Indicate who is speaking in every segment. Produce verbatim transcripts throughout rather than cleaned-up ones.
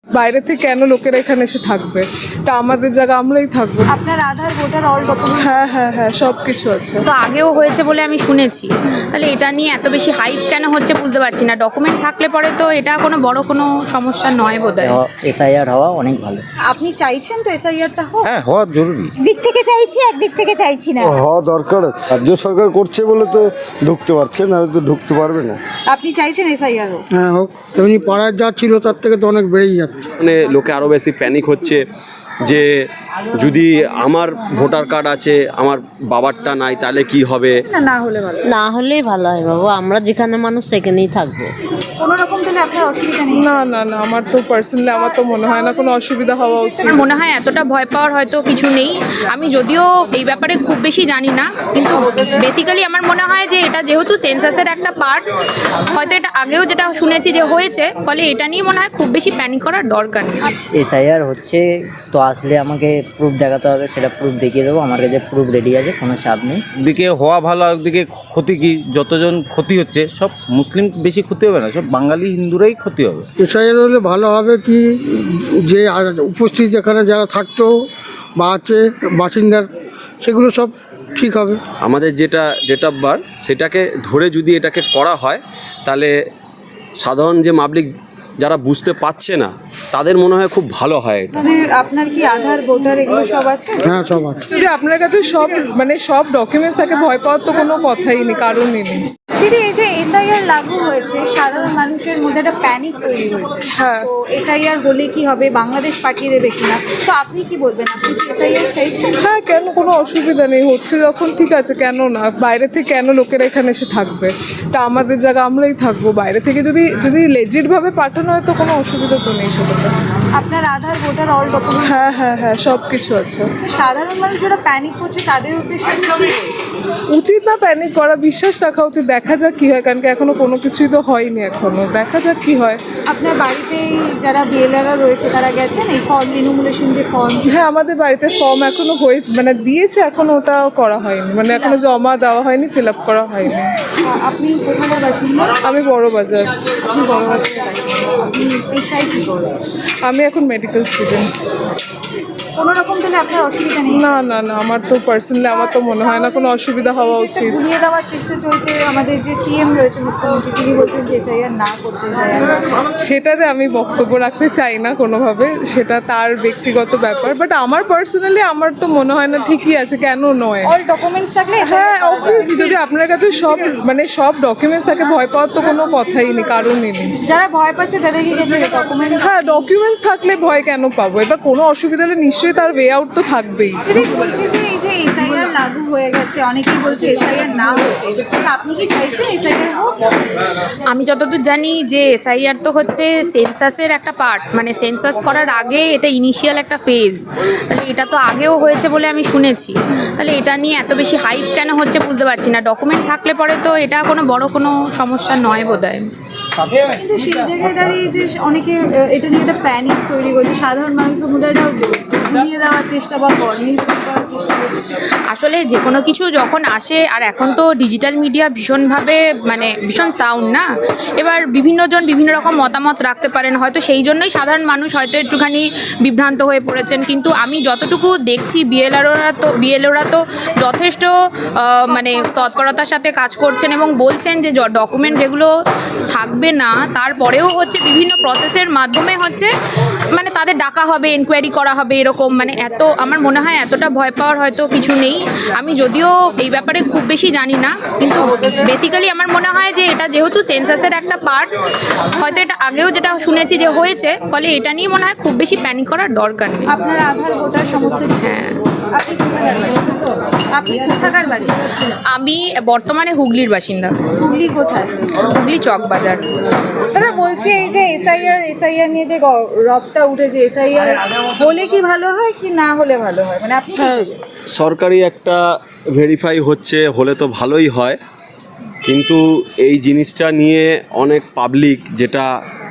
Speaker 1: বাইরে থেকে কেন লোকেরা এখানে এসে থাকবে? তা আমাদের জায়গা আমরাই থাকবো।
Speaker 2: আপনার আধার ভোটার অল ডকুমেন্ট?
Speaker 1: হ্যাঁ হ্যাঁ হ্যাঁ সব কিছু আছে।
Speaker 3: তো আগেও হয়েছে বলে আমি শুনেছি, তাহলে এটা নিয়ে এত বেশি হাইপ কেন হচ্ছে বুঝতে পারছি না। ডকুমেন্ট থাকলে পরে তো এটা কোনো বড় কোনো সমস্যা নয় বোধহয়।
Speaker 4: এসআইআর হওয়া অনেক ভালো।
Speaker 2: আপনি চাইছেন তো এসআইআরটা হোক?
Speaker 5: হ্যাঁ, হওয়া জরুরি।
Speaker 2: দিক থেকে চাইছি, একদিক থেকে চাইছি না।
Speaker 6: হওয়া দরকার আছে। রাজ্য সরকার করছে বলে তো ঢুকতে পারছে না, তো ঢুকতে পারবে না।
Speaker 2: আপনি চাইছেন এসআইআর হোক?
Speaker 7: হ্যাঁ হোক। এমনি পাড়ায় যা ছিল তার থেকে তো অনেক বেড়েই যাচ্ছে।
Speaker 8: মানে লোকে আরও বেশি প্যানিক হচ্ছে যে যদি আমার ভোটার কার্ড আছে আমার বাবারটা নাই তাহলে কি হবে।
Speaker 2: না না হলে ভালো।
Speaker 9: না হলেই ভালো হয় বাবু, আমরা যেখানে মানুষ সেখানেই থাকবো।
Speaker 2: কোনো রকম তাহলে আপনার অসুবিধা নেই?
Speaker 1: না না না আমার তো পার্সোনালি আমার তো মনে হয় না কোনো অসুবিধা হওয়া উচিত।
Speaker 3: আমার মনে হয় এতটা ভয় পাওয়ার হয়তো কিছু নেই। আমি যদিও এই ব্যাপারে খুব বেশি জানি না, কিন্তু বেসিক্যালি আমার মনে হয় যে এটা যেহেতু সেন্সাসের একটা পার্ট, হয়তো এটা আগেও যেটা শুনেছি যে হয়েছে, ফলে এটা নিয়ে মনে হয় খুব বেশি প্যানিক করার দরকার নেই।
Speaker 4: এসআইআর হচ্ছে তো আসলে আমাকে প্রুফ দেখাতে হবে, সেটা প্রুফ দেখিয়ে দেবো। আমার কাছে প্রুফ রেডি আছে, কোনো চাপ নেই।
Speaker 5: দিকে হওয়া ভালো, আর দিকে ক্ষতি কি? যতজন ক্ষতি হচ্ছে সব মুসলিম বেশি ক্ষতি হবে না, সব বাঙালি হিন্দুরাই ক্ষতি হবে।
Speaker 7: এসআইআর হলে ভালো হবে কি, যে আর উপস্থিত যেখানে যারা থাকতো বা আছে বাসিন্দার, সেগুলো সব ঠিক হবে।
Speaker 8: আমাদের যেটা ডেট অফ বার্থ সেটাকে ধরে যদি এটাকে করা হয় তাহলে সাধারণ যে পাবলিক যারা বুঝতে পারছে না তাদের মনে হয় খুব ভালো হয় এটা।
Speaker 2: আপনাদের আপনার কি আধার ভোটার এগুলো সব আছে?
Speaker 7: হ্যাঁ সব আছে।
Speaker 1: যদি আপনার কাছে সব মানে সব ডকুমেন্টস থাকে, ভয় পাওয়ার তো কোনো কথাই নেই, কারণই নেই।
Speaker 2: দিদি, এই যে এসআইআর লাগু হয়েছে, সাধারণ মানুষের মধ্যে একটা প্যানিক তৈরি হয়েছে।
Speaker 1: হ্যাঁ।
Speaker 2: তো এসআইআর হলে কি হবে, বাংলাদেশ পাঠিয়ে দেবে কিনা, তো আপনি কি বলবেন? আপনি কি এসআইআর চাইছেন?
Speaker 1: হ্যাঁ কেন, কোনো অসুবিধা নেই, হচ্ছে যখন ঠিক আছে, কেন না? বাইরে থেকে কেন লোকেরা এখানে এসে থাকবে? তা আমাদের জায়গা আমরাই থাকবো। বাইরে থেকে যদি যদি লেজিটভাবে পাঠানো হয় তো কোনো অসুবিধা তো নেই সেটাতে।
Speaker 2: আপনার আধার ভোটার অল ডকুমেন্ট?
Speaker 1: হ্যাঁ হ্যাঁ হ্যাঁ সব কিছু আছে।
Speaker 2: সাধারণ মানুষ যারা প্যানিক করছে তাদের উদ্দেশ্যে কি বলবেন?
Speaker 1: উচিত না প্যানিক করা, বিশ্বাস রাখা উচিত। দেখা যাক কি হয়, কারণ কি এখনো কোনো কিছুই তো হয়নি, এখনো দেখা যাক কি হয়।
Speaker 2: আপনার বাড়িতেই যারা বিএলআররা রয়েছে তারা গেছেন এই ফর্ম ইনুমুলেশন যে ফর্ম?
Speaker 1: হ্যাঁ আমাদের বাড়িতে ফর্ম এখনো হয়ে মানে দিয়েছে, এখনো ওটা করা হয়নি, মানে এখনো জমা দেওয়া হয়নি, ফিল আপ করা হয়নি।
Speaker 2: আপনি কোথায় বাসিন্দা?
Speaker 1: আমি বড় বাজার।
Speaker 2: আপনি বড় বাজারে বাসিন্দা। আপনি পেশায় কি করেন?
Speaker 1: আমি এখন মেডিকেল স্টুডেন্ট।
Speaker 2: কোনো রকম তাহলে আপনার অসুবিধা নেই?
Speaker 1: না না না আমার তো পার্সোনালি আমার তো মনে হয় না কোনো অসুবিধা হওয়া উচিত।
Speaker 2: ঘুরিয়ে দেওয়ার চেষ্টা চলছে, আমাদের যে সিএম রয়েছে মুখ্যমন্ত্রী, তিনি বলছেন যে এসআইআর না করতে চায়।
Speaker 1: সেটাতে আমি বক্তব্য রাখতে চাই না কোনোভাবে, সেটা তার ব্যক্তিগত ব্যাপার। বাট আমার পার্সোনালি আমার তো মনে হয় না, ঠিকই আছে, কেন নয়।
Speaker 2: অল ডকুমেন্টস থাকলে?
Speaker 1: হ্যাঁ অবভিয়াসলি, যদি আপনার কাছে সব মানে সব ডকুমেন্টস থাকে, ভয় পাওয়ার তো কোনো কথাই নেই, কারণই নেই।
Speaker 2: যারা ভয় পাচ্ছে তাদের কি গেছে ডকুমেন্ট?
Speaker 1: হ্যাঁ ডকুমেন্টস থাকলে ভয় কেন পাবো? এবার কোনো অসুবিধা হলে নিশ্চয়ই তার ওয়ে আউট তো থাকবেই।
Speaker 2: দিদি বলছে যে এই যে এসআইআর লাগু হয়ে গেছে, অনেকেই বলছে এসআইআর না হতে, আপনি কি চাইছেন এসআইআর হোক?
Speaker 3: আমি যতদূর জানি যে এসআইআর তো হচ্ছে সেন্সাসের একটা পার্ট, মানে সেন্সাস করার আগে এটা ইনিশিয়াল একটা ফেজ, তাহলে এটা তো আগেও হয়েছে বলে আমি শুনেছি, তাহলে এটা নিয়ে এত বেশি হাইপ কেন হচ্ছে বুঝতে পারছি না। ডকুমেন্ট থাকলে পরে তো এটা কোনো বড় কোনো সমস্যা নয় বোধহয়।
Speaker 2: কিন্তু সেই জায়গায় দাঁড়িয়ে যে অনেকে আহ, এটা নিয়ে একটা প্যানিক তৈরি করছে, সাধারণ মানুষের মধ্যে একটা ঘুরিয়ে দেওয়ার চেষ্টা বা নির্ভর করার চেষ্টা করছে।
Speaker 3: আসলে যে কোনো কিছু যখন আসে, আর এখন তো ডিজিটাল মিডিয়া ভীষণভাবে মানে ভীষণ সাউন্ড না, এবার বিভিন্নজন বিভিন্ন রকম মতামত রাখতে পারেন, হয়তো সেই জন্যই সাধারণ মানুষ হয়তো একটুখানি বিভ্রান্ত হয়ে পড়েছেন। কিন্তু আমি যতটুকু দেখছি বিএলআররা তো বিএলওরা তো যথেষ্ট আহ, মানে তৎপরতার সাথে কাজ করছেন এবং বলছেন যে ডকুমেন্ট যেগুলো থাকবে না তারপরেও হচ্ছে বিভিন্ন প্রসেসের মাধ্যমে হচ্ছে মানে তাদের ডাকা হবে, এনকোয়ারি করা হবে, এরকম মানে এত আমার মনে হয় এতটা ভয় পাওয়ার হয়তো কিছু নেই। আমি যদিও এই ব্যাপারে খুব বেশি জানি না, কিন্তু বেসিক্যালি আমার মনে হয় যে এটা যেহেতু সেন্সাসের একটা পার্ট, হয়তো এটা আগেও যেটা শুনেছি যে হয়েছে, ফলে এটা নিয়ে মনে হয় খুব বেশি প্যানিক করার দরকার নেই।
Speaker 2: আপনার আধার ভোটার সমস্ত? হ্যাঁ। আপনি কোথাকার বাসিন্দা? আপনি কোথাকার বাসিন্দা?
Speaker 3: আমি বর্তমানে হুগলির বাসিন্দা।
Speaker 2: হুগলি কোথায়?
Speaker 3: হুগলি চক বাজার।
Speaker 2: দাদা বলছি এই যে এসআইআর এসআইআর নিয়ে যে গ- রবটা উঠেছে, এসআইআর হলে কি ভালো হয় কি না হলে ভালো হয়, মানে আপনি কি
Speaker 8: হ্যাঁ
Speaker 2: চাইছেন?
Speaker 8: সরকারি একটা ভেরিফাই হচ্ছে, হলে তো ভালোই হয়, কিন্তু এই জিনিসটা নিয়ে অনেক পাবলিক যেটা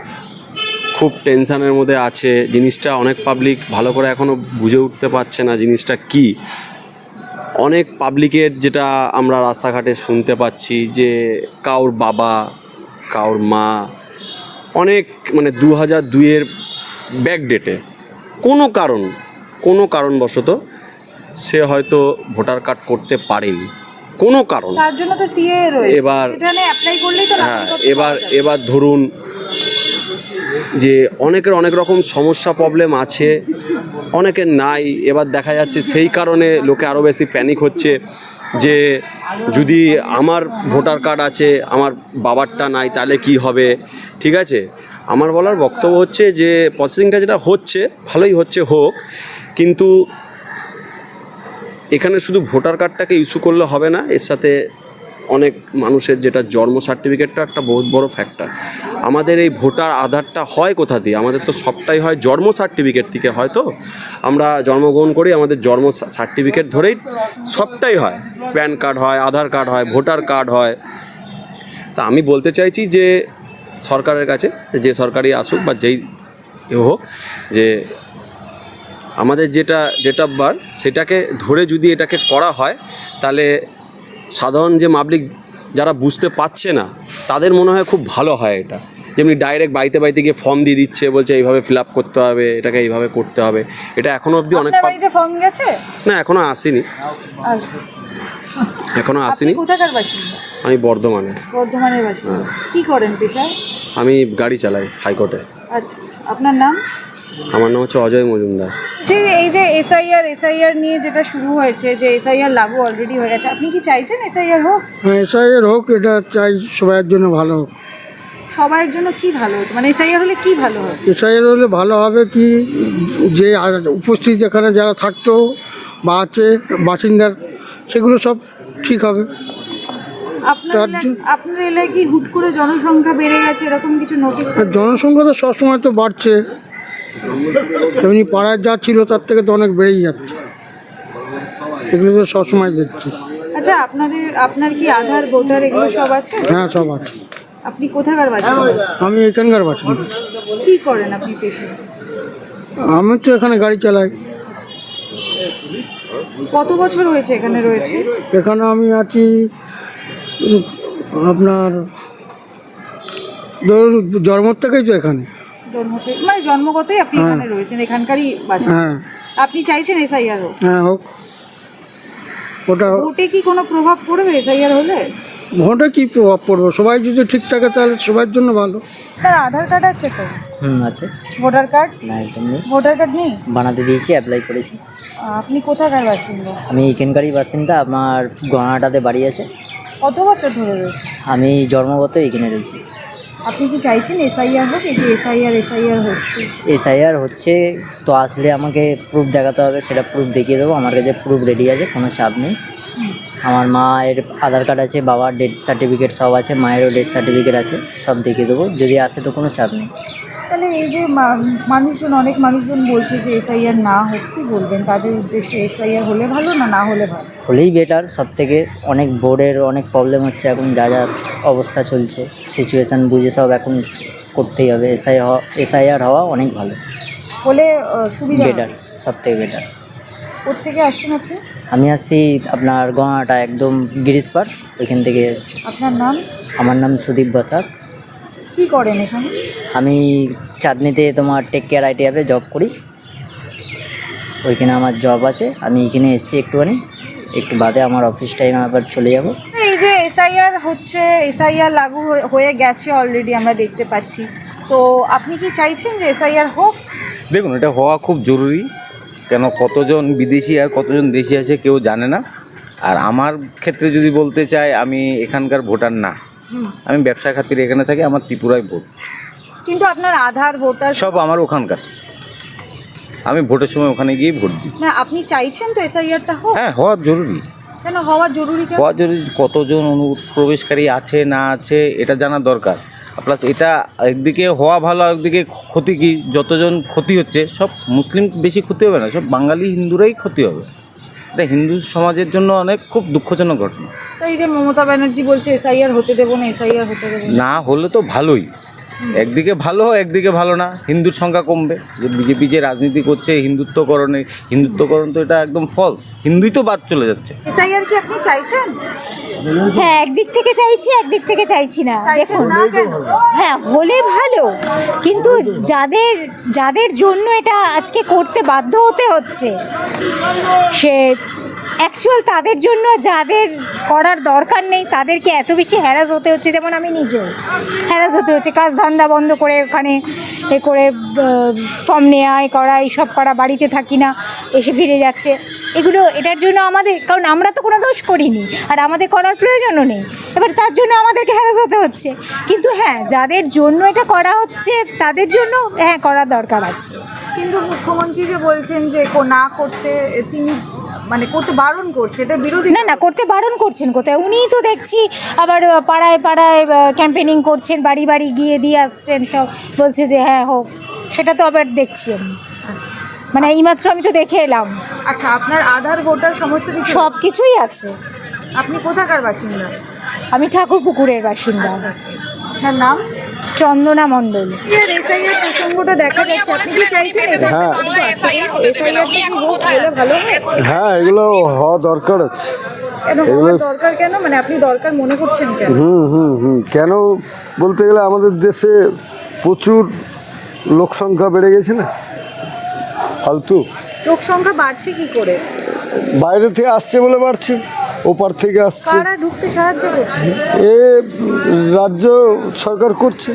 Speaker 8: খুব টেনশানের মধ্যে আছে, জিনিসটা অনেক পাবলিক ভালো করে এখনও বুঝে উঠতে পারছে না জিনিসটা কি। অনেক পাবলিকের যেটা আমরা রাস্তাঘাটে শুনতে পাচ্ছি যে কাউর বাবা কাউর মা অনেক মানে দু হাজার দুইয়ের ব্যাকডেটে কোনো কারণ কোনো কারণবশত সে হয়তো ভোটার কার্ড করতে পারেনি কোনো কারণ।
Speaker 2: তার জন্য তো সিএ রয়েছে,
Speaker 8: এবার-
Speaker 2: সেটা নিয়ে অ্যাপ্লাই করলেই তো
Speaker 8: হ্যাঁ
Speaker 2: নাগরিকত্ব
Speaker 8: এবার
Speaker 2: পাওয়া যাবে।
Speaker 8: এবার ধরুন যে অনেকের অনেক রকম সমস্যা প্রবলেম আছে, অনেকের নাই। এবার দেখা যাচ্ছে সেই কারণে লোকে আরও বেশি প্যানিক হচ্ছে যে যদি আমার ভোটার কার্ড আছে আমার বাবারটা নাই তাহলে কি হবে। ঠিক আছে, আমার বলার বক্তব্য হচ্ছে যে প্রসেসিংটা যেটা হচ্ছে ভালোই হচ্ছে, হোক, কিন্তু এখানে শুধু ভোটার কার্ডটাকে ইস্যু করলে হবে না, এর সাথে অনেক মানুষের যেটা জন্ম সার্টিফিকেটটা একটা বহুত বড় ফ্যাক্টর। আমাদের এই ভোটার আধারটা হয় কোথা দিয়ে? আমাদের তো সবটাই হয় জন্ম সার্টিফিকেট থেকে। হয়তো আমরা জন্মগ্রহণ করি, আমাদের জন্ম সার্টিফিকেট ধরেই সবটাই হয়, প্যান কার্ড হয়, আধার কার্ড হয়, ভোটার কার্ড হয়। তা আমি বলতে চাইছি যে সরকারের কাছে, যে সরকারই আসুক বা যেই হোক, যে আমাদের যেটা ডেট অফ বার্থ সেটাকে ধরে যদি এটাকে করা হয় তাহলে সাধারণ যে পাবলিক যারা বুঝতে পারছে না তাদের মনে হয় খুব ভালো হয়। এটা যেমনি ডাইরেক্ট বাড়িতে বাড়িতে গিয়ে ফর্ম দিয়ে দিচ্ছে, বলছে এইভাবে ফিল আপ করতে হবে, এটাকে এইভাবে করতে হবে। এটা এখনও অবধি অনেক
Speaker 2: আপনার বাড়িতে ফর্ম গেছে?
Speaker 8: না, এখনও আসেনি,
Speaker 2: আসবে।
Speaker 8: এখনও
Speaker 2: আপনি
Speaker 8: আসেনি।
Speaker 2: কোথাকার বাসিন্দা?
Speaker 8: আমি বর্ধমানে,
Speaker 2: বর্ধমানের বাসিন্দা। কি করেন পেশায়?
Speaker 8: আমি গাড়ি চালাই হাইকোর্টে।
Speaker 2: আচ্ছা, আপনার নাম?
Speaker 8: আমার নাম হচ্ছে অজয় মজুমদার।
Speaker 2: যে এই যে এসআইআর এসআইআর নিয়ে যেটা শুরু হয়েছে, যে এসআইআর লাগু অলরেডি হয়ে গেছে, আপনি কি চাইছেন এসআইআর হোক?
Speaker 7: হ্যাঁ, এসআইয়ের হোক, এটা চাই সবার জন্য ভালো হোক।
Speaker 2: সবার জন্য কি ভালো হতো, মানে এসআইআর হলে কি ভালো হয়?
Speaker 7: এসআইয়ের হলে ভালো হবে কি, যে আর- উপস্থিত যেখানে যারা থাকতো বা আছে বাসিন্দার, সেগুলো সব ঠিক হবে।
Speaker 2: আপনার
Speaker 7: তার
Speaker 2: এলাকা-
Speaker 7: জন্য-
Speaker 2: আপনার এলাকায় কি হুট করে জনসংখ্যা বেড়ে গেছে এরকম কিছু নোটিস?
Speaker 7: আর জনসংখ্যা তো সবসময় তো বাড়ছে, এমনি পাড়ায় যা ছিল তার থেকে তো অনেক বেড়েই যাচ্ছে, এগুলো তো সবসময় দেখছি।
Speaker 2: আচ্ছা, আপনাদের আপনার কি আধার ভোটার এগুলো সব আছে?
Speaker 7: হ্যাঁ, সব আছে।
Speaker 2: আপনি কোথাকার বাসিন্দা?
Speaker 7: আমি এখানকার বাসিন্দা।
Speaker 2: কি করেন আপনি পেশায়?
Speaker 7: আমি তো এখানে গাড়ি চালাই।
Speaker 2: কত বছর হয়েছে এখানে রয়েছে?
Speaker 7: এখানে আমি আছি উম, আপনার ধরুন জন্ম থেকেই তো এখানে।
Speaker 2: জন্ম থেকে, মানে জন্মগতই আপনি এখানে রয়েছেন, এখানকারই বাসিন্দা।
Speaker 7: হ্যাঁ,
Speaker 2: আপনি চাইছেন এসআইআর হোক?
Speaker 7: হ্যাঁ হোক। ওটা
Speaker 2: ভোটে কি কোনো প্রভাব পড়বে এসআইআর হলে?
Speaker 7: ভোটে কী প্রভাব পড়বে? সবাই যদি ঠিক থাকে তাহলে সবার জন্য ভালো।
Speaker 2: তার আধার কার্ড আছে তো?
Speaker 4: হুম আছে।
Speaker 2: Voter card?
Speaker 4: না একদম নেই,
Speaker 2: ভোটার কার্ড নেই?
Speaker 4: বানাতে দিয়েছি, অ্যাপ্লাই করেছি।
Speaker 2: আপনি কোথাকার বাসিন্দা?
Speaker 4: আমি এখানকারই বাসিন্দা, আমার গণাটাতে বাড়ি আছে।
Speaker 2: কত বছর ধরে রয়েছে?
Speaker 4: আমি জন্মগত এখানে রয়েছি।
Speaker 2: আপনি কি চাইছেন এসআইআর হোক? এই যে এসআইআর এসআইআর হচ্ছে,
Speaker 4: এসআইআর হচ্ছে তো আসলে আমাকে প্রুফ দেখাতে হবে, সেটা প্রুফ দেখিয়ে দেবো। আমার কাছে প্রুফ রেডি আছে, কোনো চাপ নেই। আমার মায়ের আধার কার্ড আছে, বাবার ডেথ সার্টিফিকেট সব আছে, মায়েরও ডেথ সার্টিফিকেট আছে, সব দেখিয়ে দেবো। যদি আসে তো কোনো চাপ নেই।
Speaker 2: তাহলে এই যে মা- মানুষজন অনেক মানুষজন বলছে যে এসআইআর না হোক, কি বলবেন তাদের উদ্দেশ্যে? এসআইআর হলে ভালো না না হলে ভালো?
Speaker 4: হলেই বেটার। সব থেকে অনেক বোর্ডের অনেক প্রবলেম হচ্ছে এখন, যা যা অবস্থা চলছে সিচুয়েশান বুঝে সব এখন করতেই হবে। এসআই হওয়া এসআইআর হওয়া অনেক ভালো,
Speaker 2: হলে আহ, সুবিধা হবে।
Speaker 4: বেটার, সব থেকে বেটার।
Speaker 2: কোত্থেকে আসছেন আপনি?
Speaker 4: আমি আসছি আপনার গঙ্গাটা একদম গিরিশ পাড়, ওইখান থেকে।
Speaker 2: আপনার নাম?
Speaker 4: আমার নাম সুদীপ বসাক।
Speaker 2: কি করেন এখানে?
Speaker 4: আমি চাঁদনিতে তোমার টেক কেয়ার আইটি অ্যাপে জব করি, ওইখানে আমার জব আছে। আমি এখানে এসেছি একটুখানি, একটু বাদে আমার অফিস টাইম আবার চলে যাব।
Speaker 2: এই যে এসআইআর হচ্ছে, এসআইআর লাগু হয়ে- হয়ে গেছে অলরেডি, আমরা দেখতে পাচ্ছি। তো আপনি কি চাইছেন যে এসআইআর হোক?
Speaker 5: দেখুন, এটা হওয়া খুব জরুরি। কেন, কতজন বিদেশি আর কতজন দেশি আছে কেউ জানে না। আর আমার ক্ষেত্রে যদি বলতে চাই, আমি এখানকার ভোটার না, আমি ব্যবসা খাতিরে এখানে থাকি, আমার ত্রিপুরায় ভোট,
Speaker 2: কিন্তু আপনার আধার ভোটার
Speaker 5: সব আমার ওখানকার। আমি ভোটের সময় ওখানে গিয়ে ভোট দিই।
Speaker 2: না, আপনি চাইছেন তো এসআইআরটা হোক?
Speaker 5: হ্যাঁ, হওয়া জরুরি।
Speaker 2: কেন হওয়া জরুরি? কেন
Speaker 5: হওয়া জরুরি, কতজন অনুপ্রবেশকারী আছে না আছে এটা জানা দরকার। প্লাস এটা একদিকে হওয়া ভালো, একদিকে ক্ষতি কি, যতজন ক্ষতি হচ্ছে সব মুসলিম বেশি ক্ষতি হবে না, সব বাঙালি হিন্দুরাই ক্ষতি হবে। এটা হিন্দু সমাজের জন্য অনেক খুব দুঃখজনক ঘটনা।
Speaker 2: তো এই যে মমতা ব্যানার্জি বলছে এসআইআর হতে দেবো না, এসআইআর হতে দেবো না।
Speaker 5: না হলে তো ভালোই, একদিকে ভালো একদিকে ভালো না, হিন্দুর সংখ্যা কমবে, যে বিজেপি যে রাজনীতি করছে হিন্দুত্বকরণে, হিন্দুত্বকরণ তো এটা একদম ফলস, হিন্দুই তো বাদ চলে যাচ্ছে।
Speaker 2: এসআইআর কি আপনি চাইছেন?
Speaker 10: হ্যাঁ, একদিক থেকে চাইছি, একদিক থেকে চাইছি না।
Speaker 2: চাইছেন
Speaker 10: দেখুন,
Speaker 2: না কেন?
Speaker 10: হ্যাঁ হলে ভালো, কিন্তু যাদের যাদের জন্য এটা আজকে করতে বাধ্য হতে হচ্ছে, সে অ্যাকচুয়াল তাদের জন্য যাদের করার দরকার নেই তাদেরকে এত বেশি হ্যারাস হতে হচ্ছে। যেমন আমি নিজে হ্যারাস হতে হচ্ছে, কাজ ধান্দা বন্ধ করে ওখানে এ করে ফর্ম নেওয়া এ করা এইসব করা, বাড়িতে থাকি না, এসে ফিরে যাচ্ছে। এগুলো এটার জন্য আমাদের, কারণ আমরা তো কোনো দোষ করিনি আর আমাদের করার প্রয়োজনও নেই, এবার তার জন্য আমাদেরকে হ্যারাস হতে হচ্ছে। কিন্তু হ্যাঁ, যাদের জন্য এটা করা হচ্ছে তাদের জন্য হ্যাঁ করার দরকার আছে।
Speaker 2: কিন্তু মুখ্যমন্ত্রী যে বলছেন যে কো- না করতে, তিনি মানে করতে বারণ করছে, এটা বিরোধী।
Speaker 10: না না, করতে বারণ করছেন কোথায়? উনিই তো দেখছি আবার পাড়ায় পাড়ায় ক্যাম্পেনিং করছেন, বাড়ি বাড়ি গিয়ে দিয়ে আসছেন, সব বলছে যে হ্যাঁ হোক। সেটা তো আবার দেখছি আমি, মানে এইমাত্র আমি তো দেখে এলাম।
Speaker 2: আচ্ছা, আপনার আধার ভোটার সমস্ত কিছু,
Speaker 10: সব কিছুই আছে।
Speaker 2: আপনি কোথাকার বাসিন্দা?
Speaker 10: আমি ঠাকুর পুকুরের বাসিন্দা।
Speaker 2: আপনার নাম?
Speaker 10: চন্দনা মণ্ডল।
Speaker 2: এসআইআর প্রসঙ্গটা দেখা যাচ্ছে, আপনি কি চাইছেন
Speaker 6: হ্যাঁ।
Speaker 2: এসআইআর কি হোক, হলে ভালো হয়?
Speaker 6: হ্যাঁ, এগুলো হওয়া দরকার আছে।
Speaker 2: কেন হওয়ার দরকার কেন, মানে আপনি দরকার মনে করছেন কেন?
Speaker 6: হুম হুম হুম কেন বলতে গেলে আমাদের দেশে প্রচুর লোক সংখ্যা বেড়ে গেছে না, ফালতু।
Speaker 2: লোক সংখ্যা বাড়ছে কি করে?
Speaker 6: বাইরে থেকে আসছে বলে বাড়ছে, ওপার থেকে আসছে।
Speaker 2: কারা ঢুকতে সাহায্য করছে?
Speaker 6: এ রাজ্য সরকার করছে,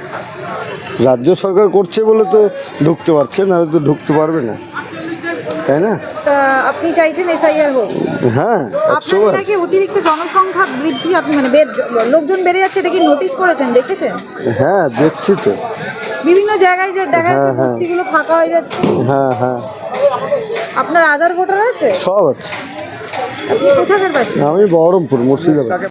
Speaker 6: রাজ্য সরকার করছে বলে তো ঢুকতে পারছে, না তো ঢুকতে পারবে না, তাই না?
Speaker 2: তা আপনি চাইছেন এসআইআর হোক?
Speaker 6: হ্যাঁ, একশো
Speaker 2: আপনার
Speaker 6: বার।
Speaker 2: নাকি অতিরিক্ত জনসংখ্যা বৃদ্ধি, আপনি মানে বেদ- লোকজন বেড়ে যাচ্ছে, এটা কি নোটিস করেছেন, দেখেছেন?
Speaker 6: হ্যাঁ, দেখছি তো।
Speaker 2: বিভিন্ন জায়গায় যে দেখা যাচ্ছে
Speaker 6: হ্যাঁ, হ্যাঁ।
Speaker 2: বস্তিগুলো ফাঁকা হয়ে যাচ্ছে।
Speaker 6: হ্যাঁ হ্যাঁ,
Speaker 2: আপনার আধার ভোটার আছে?
Speaker 6: সব আছে।
Speaker 2: আপনি কোথাকার বাসিন্দা?
Speaker 6: আমি বহরমপুর, মুর্শিদাবাদ।